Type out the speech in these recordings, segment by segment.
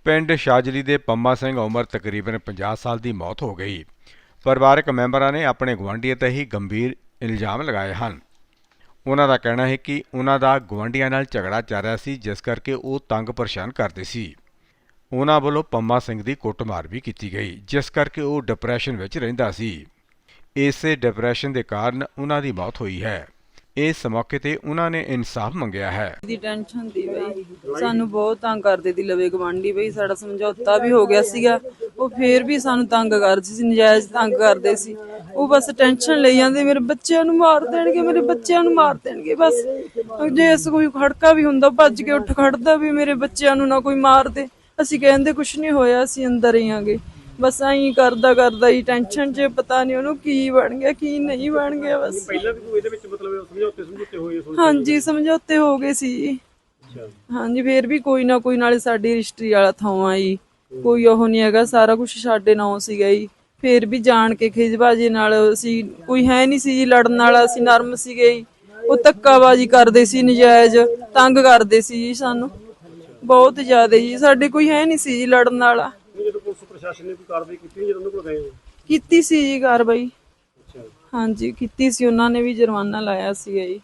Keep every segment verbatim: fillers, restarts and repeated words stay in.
ਪਿੰਡ ਸ਼ਾਜਲੀ ਦੇ ਪੰਮਾ ਸਿੰਘ ਉਮਰ ਤਕਰੀਬਨ ਪੰਜਾਹ ਸਾਲ ਦੀ ਮੌਤ ਹੋ ਗਈ। ਪਰਿਵਾਰਕ ਮੈਂਬਰਾਂ ਨੇ ਆਪਣੇ ਗੁਆਂਢੀਆਂ ਤੇ ਹੀ ਗੰਭੀਰ ਇਲਜ਼ਾਮ ਲਗਾਏ ਹਨ। ਉਹਨਾਂ ਦਾ ਕਹਿਣਾ ਹੈ ਕਿ ਉਹਨਾਂ ਦਾ ਗੁਆਂਢੀਆਂ ਨਾਲ ਝਗੜਾ ਚੱਲ ਰਿਹਾ ਸੀ, ਜਿਸ ਕਰਕੇ ਉਹ ਤੰਗ ਪਰੇਸ਼ਾਨ ਕਰਦੇ ਸੀ। ਉਹਨਾਂ ਵੱਲੋਂ ਪੰਮਾ ਸਿੰਘ ਦੀ ਕੁੱਟਮਾਰ ਵੀ ਕੀਤੀ ਗਈ, ਜਿਸ ਕਰਕੇ ਉਹ ਡਿਪਰੈਸ਼ਨ ਵਿੱਚ ਰਹਿੰਦਾ ਸੀ। ਇਸੇ ਡਿਪਰੈਸ਼ਨ ਦੇ ਕਾਰਨ ਉਹਨਾਂ ਦੀ ਮੌਤ ਹੋਈ ਹੈ। ਇਸ ਮੌਕੇ ਤੇ ਉਹਨਾਂ ਨੇ ਇਨਸਾਫ ਮੰਗਿਆ ਹੈ। ਦੀ ਟੈਨਸ਼ਨ ਦੀ ਬਈ ਸਾਨੂੰ ਬਹੁਤ ਤੰਗ ਕਰਦੇ ਦੀ ਲਵੇ ਗਵਾਂਢੀ ਬਈ ਸਾਡਾ ਸਮਝੌਤਾ ਵੀ ਹੋ ਗਿਆ ਸੀਗਾ, ਉਹ ਫੇਰ ਵੀ ਸਾਨੂੰ ਤੰਗ ਕਰਦੇ ਸੀ, ਨਜਾਇਜ਼ ਤੰਗ ਕਰਦੇ ਸੀ। ਉਹ ਬਸ ਟੈਨਸ਼ਨ ਲਈ ਜਾਂਦੇ, ਮੇਰੇ ਬੱਚਿਆਂ ਨੂੰ ਮਾਰ ਦੇਣਗੇ, ਮੇਰੇ ਬੱਚਿਆਂ ਨੂੰ ਮਾਰ ਦੇਣਗੇ। ਬਸ ਜੇ ਇਸ ਕੋਈ ਖੜਕਾ ਵੀ ਹੁੰਦਾ ਭੱਜ ਕੇ ਉੱਠ ਖੜਦਾ ਵੀ ਮੇਰੇ ਬੱਚਿਆਂ ਨੂੰ ਨਾ ਕੋਈ ਮਾਰ ਦੇ। ਅਸੀਂ ਕਹਿੰਦੇ ਕੁਛ ਨਹੀਂ ਹੋਇਆ, ਅਸੀਂ ਅੰਦਰ ਹੀ ਆਂਗੇ। ਬਸ ਐਂ ਕਰਦਾ ਕਰਦਾ ਹੀ ਟੈਨਸ਼ਨ 'ਚ ਪਤਾ ਨਹੀਂ ਉਹਨੂੰ ਕੀ ਬਣ ਗਿਆ ਕੀ ਨਹੀਂ ਬਣ ਗਿਆ। ਬਸ ਪਹਿਲਾਂ ਵੀ ਕੋਈ ਇਹਦੇ ਵਿੱਚ ਮਤਲਬ ਸਮਝੌਤੇ ਸਮਝੌਤੇ ਹੋਏ? ਹਾਂਜੀ ਸਮਝੌਤੇ ਹੋ ਗਏ ਸੀ। ਹਾਂਜੀ ਫੇਰ ਵੀ ਕੋਈ ਨਾ ਕੋਈ, ਨਾਲੇ ਸਾਡੀ ਰਜਿਸਟਰੀ ਵਾਲਾ ਥਾਂ ਜੀ, ਕੋਈ ਉਹ ਨਹੀਂ ਹੈਗਾ, ਸਾਰਾ ਕੁਛ ਸਾਡੇ ਨਾਂ ਸੀਗਾ ਜੀ। ਫੇਰ ਵੀ ਜਾਣ ਕੇ ਖਿਜਬਾਜੀ ਨਾਲ ਅਸੀਂ, ਕੋਈ ਹੈ ਨਹੀਂ ਸੀ ਜੀ ਲੜਨ ਵਾਲਾ, ਅਸੀਂ ਨਰਮ ਸੀਗੇ ਜੀ। ਉਹ ਧੱਕਾਬਾਜੀ ਕਰਦੇ ਸੀ, ਨਜਾਇਜ਼ ਤੰਗ ਕਰਦੇ ਸੀ ਜੀ ਸਾਨੂੰ ਬਹੁਤ ਜ਼ਿਆਦਾ ਜੀ। ਸਾਡੇ ਕੋਈ ਹੈ ਨਹੀਂ ਸੀ ਜੀ ਲੜਨ ਵਾਲਾ। ਜਦੋਂ ਪੁਲਿਸ ਪ੍ਰਸ਼ਾਸਨ ਨੇ ਕੋਈ ਕਾਰਵਾਈ ਕੀਤੀ ਜਦੋਂ ਉਹਨਾਂ ਕੋਲ ਗਏ? ਕੀਤੀ ਸੀ ਜੀ ਕਾਰਵਾਈ, ਹਾਂਜੀ ਕੀਤੀ ਸੀ, ਉਹਨਾਂ ਨੇ ਵੀ ਜੁਰਮਾਨਾ ਲਾਇਆ ਸੀਗਾ ਜੀ।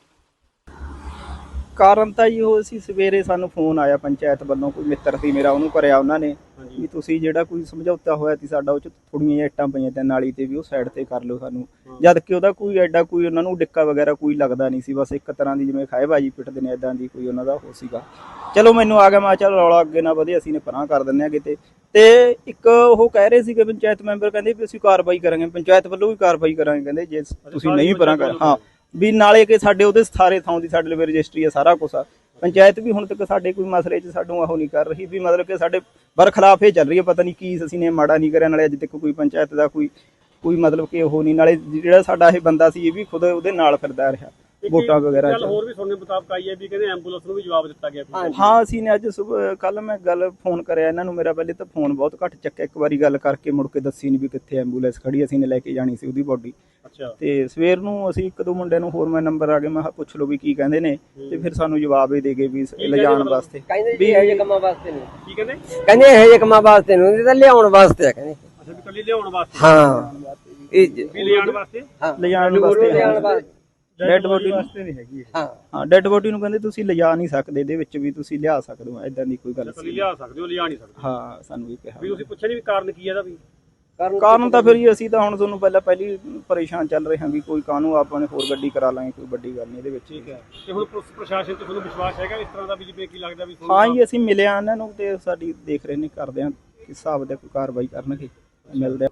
ਕਾਰਨ ਤਾਂ ਜੀ ਉਹ ਸੀ, ਸਵੇਰੇ ਸਾਨੂੰ ਫੋਨ ਆਇਆ ਪੰਚਾਇਤ ਵੱਲੋਂ, ਕੋਈ ਮਿੱਤਰ ਸੀ ਮੇਰਾ, ਉਹਨੂੰ ਕਰਿਆ ਉਹਨਾਂ ਨੇ ਵੀ ਤੁਸੀਂ ਜਿਹੜਾ ਕੋਈ ਸਮਝੌਤਾ ਹੋਇਆ ਸੀ ਸਾਡਾ, ਉਹ 'ਚ ਥੋੜ੍ਹੀਆਂ ਜਿਹੀਆਂ ਇੱਟਾਂ ਪਈਆਂ ਤੇ ਨਾਲੀ ਤੇ ਵੀ ਉਹ ਸਾਈਡ ਤੇ ਕਰ ਲਿਓ ਸਾਨੂੰ। ਜਦ ਕਿ ਉਹਦਾ ਕੋਈ ਐਡਾ ਕੋਈ ਉਹਨਾਂ ਨੂੰ ਡਿੱਕਾ ਵਗੈਰਾ ਕੋਈ ਲੱਗਦਾ ਨਹੀਂ ਸੀ, ਬਸ ਇੱਕ ਤਰ੍ਹਾਂ ਦੀ ਜਿਵੇਂ ਖਾਏਬਾਜੀ ਪਿੱਟਦੇ ਨੇ ਇੱਦਾਂ ਦੀ ਕੋਈ ਉਹਨਾਂ ਦਾ ਉਹ ਸੀਗਾ। ਚਲੋ ਮੈਨੂੰ ਆ ਗਿਆ, ਮੈਂ ਚੱਲ ਰੌਲਾ ਅੱਗੇ ਨਾ ਵਧੇ, ਅਸੀਂ ਨੇ ਪਰਾਂ ਕਰ ਦਿੰਦੇ ਹਾਂ ਕਿਤੇ। ਤੇ ਇੱਕ ਉਹ ਕਹਿ ਰਹੇ ਸੀਗੇ ਪੰਚਾਇਤ ਮੈਂਬਰ, ਕਹਿੰਦੇ ਵੀ ਅਸੀਂ ਕਾਰਵਾਈ ਕਰਾਂਗੇ, ਪੰਚਾਇਤ ਵੱਲੋਂ ਵੀ ਕਾਰਵਾਈ ਕਰਾਂਗੇ, ਕਹਿੰਦੇ ਜੇ ਤੁਸੀਂ ਨਹੀਂ ਪਰਾਂ ਕਰ। ਹਾਂ ਵੀ ਨਾਲੇ ਕਿ ਸਾਡੇ ਉਹਦੇ ਸਾਰੇ ਥਾਂ ਦੀ ਸਾਡੇ ਲਈ ਰਜਿਸਟਰੀ ਆ, ਸਾਰਾ ਕੁਛ ਆ। ਪੰਚਾਇਤ ਵੀ ਹੁਣ ਤੱਕ ਸਾਡੇ ਕੋਈ ਮਸਲੇ 'ਚ ਸਾਨੂੰ ਉਹ ਨਹੀਂ ਕਰ ਰਹੀ, ਵੀ ਮਤਲਬ ਕਿ ਸਾਡੇ ਬਰਖਲਾਫ ਇਹ ਚੱਲ ਰਹੀ ਹੈ। ਪਤਾ ਨਹੀਂ ਕੀ ਅਸੀਂ ਨੇ ਮਾੜਾ ਨਹੀਂ ਕਰਿਆ, ਨਾਲੇ ਅੱਜ ਤੱਕ ਕੋਈ ਪੰਚਾਇਤ ਦਾ ਕੋਈ ਕੋਈ ਮਤਲਬ ਕਿ ਉਹ ਨਹੀਂ। ਨਾਲੇ ਜਿਹੜਾ ਸਾਡਾ ਇਹ ਬੰਦਾ ਸੀ ਇਹ ਵੀ ਖੁਦ ਉਹਦੇ ਨਾਲ ਫਿਰਦਾ ਰਿਹਾ ਵੋਟਾਂ ਵਗੈਰਾ। ਗੱਲ ਹੋਰ ਵੀ ਸੁਣਨੇ ਮੁਤਾਬਕ ਆਈ ਹੈ ਵੀ ਕਹਿੰਦੇ ਐਂਬੂਲੈਂਸ ਨੂੰ ਵੀ ਜਵਾਬ ਦਿੱਤਾ ਗਿਆ। ਹਾਂ ਅਸੀਂ ਨੇ ਅੱਜ ਸੁਬਹ ਕੱਲ ਮੈਂ ਗੱਲ ਫੋਨ ਕਰਿਆ ਇਹਨਾਂ ਨੂੰ, ਮੇਰਾ ਪਹਿਲੇ ਤਾਂ ਫੋਨ ਬਹੁਤ ਘੱਟ ਚੱਕਿਆ, ਇੱਕ ਵਾਰੀ ਗੱਲ ਕਰਕੇ ਮੁੜ ਕੇ ਦੱਸੀ ਨਹੀਂ ਵੀ ਕਿੱਥੇ ਐਂਬੂਲੈਂਸ ਖੜੀ, ਅਸੀਂ ਨੇ ਲੈ ਕੇ ਜਾਣੀ ਸੀ ਉਹਦੀ ਬੋਡੀ। ਤੇ ਸਵੇਰ ਨੂੰ ਅਸੀਂ ਇੱਕ ਦੋ ਮੁੰਡਿਆਂ ਨੂੰ ਹੋਰ ਮੈਂ ਨੰਬਰ ਆ ਗਏ, ਮੈਂ ਕਿਹਾ ਪੁੱਛ ਲਓ ਵੀ ਕੀ ਕਹਿੰਦੇ ਨੇ, ਤੇ ਫਿਰ ਸਾਨੂੰ ਜਵਾਬ ਹੀ ਦੇ ਗਏ ਵੀ ਲਿਜਾਣ ਵਾਸਤੇ। ਵੀ ਇਹੋ ਜਿਹੇ ਕੰਮਾਂ ਵਾਸਤੇ ਨਹੀਂ, ਕੀ ਕਹਿੰਦੇ? ਕਹਿੰਦੇ ਇਹੋ ਜਿਹੇ ਕੰਮਾਂ ਵਾਸਤੇ ਨਹੀਂ, ਇਹ ਤਾਂ ਲਿਆਉਣ ਵਾਸਤੇ ਆ ਕਹਿੰਦੇ। ਅੱਛਾ ਵੀ ਕੱਲੀ ਲਿਆਉਣ ਵਾਸਤੇ? ਹਾਂ ਇਹ ਵੀ ਲਿਜਾਣ ਵਾਸਤੇ? ਲਿਜਾਣ ਵਾਸਤੇ, ਡੈਡ ਬੋਡੀ ਵਾਸਤੇ ਨਹੀਂ ਹੈਗੀ। ਹਾਂ ਹਾਂ ਡੈਡ ਬੋਡੀ ਨੂੰ ਕਹਿੰਦੇ ਤੁਸੀਂ ਲਿਜਾ ਨਹੀਂ ਸਕਦੇ, ਇਹਦੇ ਵਿੱਚ ਵੀ ਤੁਸੀਂ ਲਿਆ ਸਕਦੇ ਹੋ, ਏਦਾਂ ਦੀ ਕੋਈ ਗੱਲ ਸੀ। ਲਿਆ ਸਕਦੇ ਹੋ, ਲਿਜਾ ਨਹੀਂ ਸਕਦੇ? ਹਾਂ ਸਾਨੂੰ ਵੀ ਕਿਹਾ। ਵੀ ਤੁਸੀਂ ਪੁੱਛਿਆ ਨਹੀਂ ਵੀ ਕਾਰਨ ਕੀ ਹੈ ਇਹਦਾ? ਵੀ ਕਾਰਨ ਤਾਂ ਫਿਰ ਅਸੀਂ ਤਾਂ ਹੁਣ ਤੁਹਾਨੂੰ ਪਹਿਲਾਂ ਪਹਿਲੀ ਪਰੇਸ਼ਾਨ ਚੱਲ ਰਹੇ ਹਾਂ ਵੀ ਕੋਈ ਕਾਹਨੂੰ ਆਪਾਂ ਨੇ ਹੋਰ ਗੱਡੀ ਕਰਾ ਲਾਂਗੇ, ਕੋਈ ਵੱਡੀ ਗੱਲ ਨਹੀਂ ਇਹਦੇ ਵਿੱਚ। ਠੀਕ ਹੈ। ਤੇ ਹੁਣ ਪੁਲਿਸ ਪ੍ਰਸ਼ਾਸਨ ਤੇ ਤੁਹਾਨੂੰ ਵਿਸ਼ਵਾਸ ਹੈਗਾ ਇਸ ਤਰ੍ਹਾਂ ਦਾ ਵੀ, ਜਿਵੇਂ ਕੀ ਲੱਗਦਾ ਵੀ? ਹਾਂ ਜੀ ਅਸੀਂ ਮਿਲੇ ਆ ਇਹਨਾਂ ਨੂੰ ਤੇ ਸਾਡੀ ਦੇਖ ਰਹੇ ਨੇ, ਕਰਦੇ ਆ ਕਿਸ ਹਿਸਾਬ ਦਾ ਕੋਈ ਕਾਰਵਾਈ ਕਰਨਗੇ, ਮਿਲਦੇ ਆ।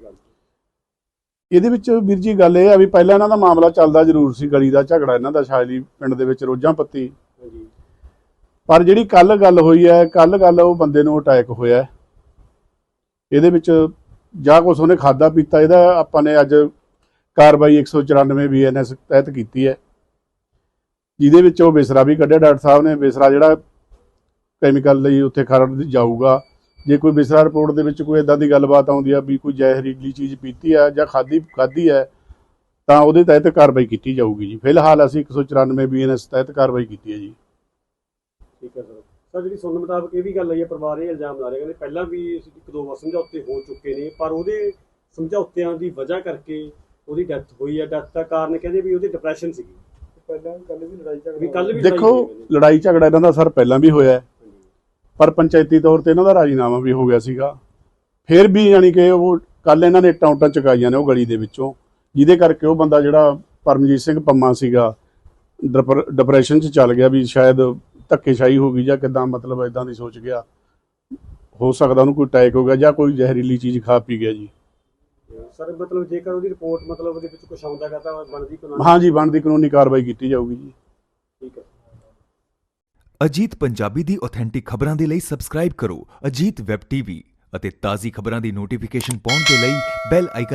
ਇਹਦੇ ਵਿੱਚ ਵੀਰ ਜੀ ਗੱਲ ਇਹ ਆ ਵੀ ਪਹਿਲਾਂ ਇਹਨਾਂ ਦਾ ਮਾਮਲਾ ਚੱਲਦਾ ਜ਼ਰੂਰ ਸੀ, ਗਲੀ ਦਾ ਝਗੜਾ ਇਹਨਾਂ ਦਾ ਸ਼ਾਜਲੀ ਪਿੰਡ ਦੇ ਵਿੱਚ ਰੋਜ਼ਾਂ ਪੱਤੀ। ਪਰ ਜਿਹੜੀ ਕੱਲ ਗੱਲ ਹੋਈ ਹੈ, ਕੱਲ ਗੱਲ ਉਹ ਬੰਦੇ ਨੂੰ ਅਟੈਕ ਹੋਇਆ, ਇਹਦੇ ਵਿੱਚ ਜਾਂ ਕੁਛ ਉਹਨੇ ਖਾਦਾ ਪੀਤਾ, ਇਹਦਾ ਆਪਾਂ ਨੇ ਅੱਜ ਕਾਰਵਾਈ ਇੱਕ ਸੌ ਚੁਰਾਨਵੇਂ ਬੀ ਐਨ ਐਸ ਤਹਿਤ ਕੀਤੀ ਹੈ, ਜਿਹਦੇ ਵਿੱਚ ਉਹ ਬਿਸਰਾ ਵੀ ਕੱਢਿਆ। ਡਾਕਟਰ ਸਾਹਿਬ ਨੇ ਬਿਸਰਾ ਜਿਹੜਾ ਕੈਮੀਕਲ ਲਈ ਉੱਥੇ ਖਰੜ ਜਾਊਗਾ, ਜੇ ਕੋਈ ਬਿਸਰਾ ਰਿਪੋਰਟ ਦੇ ਵਿੱਚ ਕੋਈ ਇੱਦਾਂ ਦੀ ਗੱਲਬਾਤ ਆਉਂਦੀ ਆ ਵੀ ਕੋਈ ਜ਼ਹਿਰੀਲੀ ਚੀਜ਼ ਪੀਤੀ ਆ ਜਾਂ ਖਾਧੀ ਖਾਧੀ ਹੈ, ਤਾਂ ਉਹਦੇ ਤਹਿਤ ਕਾਰਵਾਈ ਕੀਤੀ ਜਾਊਗੀ ਜੀ। ਫਿਲਹਾਲ ਅਸੀਂ ਇੱਕ ਸੌ ਚੁਰਾਨਵੇਂ ਬੀ ਐਨ ਐਸ ਤਹਿਤ ਕਾਰਵਾਈ ਕੀਤੀ ਹੈ ਜੀ। ਠੀਕ ਹੈ ਸਰ। ਸਰ ਜਿਹੜੀ ਸੁਣਨ ਮੁਤਾਬਕ ਇਹ ਵੀ ਗੱਲ ਆਈ ਹੈ, ਪਰਿਵਾਰ ਇਹ ਇਲਜ਼ਾਮ ਲਾ ਰਿਹਾ, ਕਹਿੰਦੇ ਪਹਿਲਾਂ ਵੀ ਇੱਕ ਦੋ ਵਾਰ ਸਮਝੌਤੇ ਹੋ ਚੁੱਕੇ ਨੇ, ਪਰ ਉਹਦੇ ਸਮਝੌਤਿਆਂ ਦੀ ਵਜ੍ਹਾ ਕਰਕੇ ਉਹਦੀ ਡੈਥ ਹੋਈ ਹੈ। ਡੈਥ ਦਾ ਕਾਰਨ ਕਹਿੰਦੇ ਵੀ ਉਹਦੀ ਡਿਪਰੈਸ਼ਨ ਸੀਗੀ। ਪਹਿਲਾਂ ਕੱਲ ਵੀ ਲੜਾਈ ਝਗੜਾ, ਕੱਲ ਵੀ ਦੇਖੋ ਲੜਾਈ ਝਗੜਾ ਇਹਨਾਂ ਦਾ ਸਰ ਪਹਿਲਾਂ ਵੀ ਹੋਇਆ, ਪਰ ਪੰਚਾਇਤੀ ਤੌਰ ਤੇ ਇਹਨਾਂ ਦਾ ਰਾਜੀਨਾਮਾ ਵੀ ਹੋ ਗਿਆ ਸੀਗਾ। ਫਿਰ ਵੀ ਯਾਨੀ ਕਿ ਉਹ ਕੱਲ ਇਹਨਾਂ ਨੇ ਇੱਟਾਂ ਉੱਟਾਂ ਚੁਕਾਈਆਂ ਨੇ ਉਹ ਗਲੀ ਦੇ ਵਿੱਚੋਂ, ਜਿਹਦੇ ਕਰਕੇ ਉਹ ਬੰਦਾ ਜਿਹੜਾ ਪਰਮਜੀਤ ਸਿੰਘ ਪੰਮਾ ਸੀਗਾ ਡਿਪਰੈਸ਼ਨ 'ਚ ਚੱਲ ਗਿਆ, ਵੀ ਸ਼ਾਇਦ ਧੱਕੇਸ਼ਾਹੀ ਹੋ ਗਈ ਜਾਂ ਕਿੱਦਾਂ, ਮਤਲਬ ਇੱਦਾਂ ਦੀ ਸੋਚ ਗਿਆ, ਹੋ ਸਕਦਾ ਉਹਨੂੰ ਕੋਈ ਅਟੈਕ ਹੋ ਗਿਆ ਜਾਂ ਕੋਈ ਜ਼ਹਿਰੀਲੀ ਚੀਜ਼ ਖਾ ਪੀ ਗਿਆ ਜੀ। ਸਰ ਮਤਲਬ ਜੇਕਰ ਉਹਦੀ ਰਿਪੋਰਟ ਮਤਲਬ ਉਹਦੇ ਵਿੱਚ ਕੁਝ ਆਉਂਦਾ ਗਾ ਤਾਂ ਬਣਦੀ ਕਾਨੂੰਨੀ? ਹਾਂ ਜੀ ਬਣਦੀ ਕਾਨੂੰਨੀ ਕਾਰਵਾਈ ਕੀਤੀ ਜਾਊਗੀ ਜੀ। ਠੀਕ ਹੈ। ਅਜੀਤ ਪੰਜਾਬੀ ਦੀ ਆਥੈਂਟਿਕ ਖਬਰਾਂ ਦੇ ਲਈ ਸਬਸਕ੍ਰਾਈਬ ਕਰੋ ਅਜੀਤ ਵੈਬ ਟੀਵੀ ਅਤੇ ਤਾਜ਼ੀ ਖਬਰਾਂ ਦੀ ਨੋਟੀਫਿਕੇਸ਼ਨ ਪਾਉਣ ਦੇ ਲਈ ਬੈਲ ਆਈਕਨ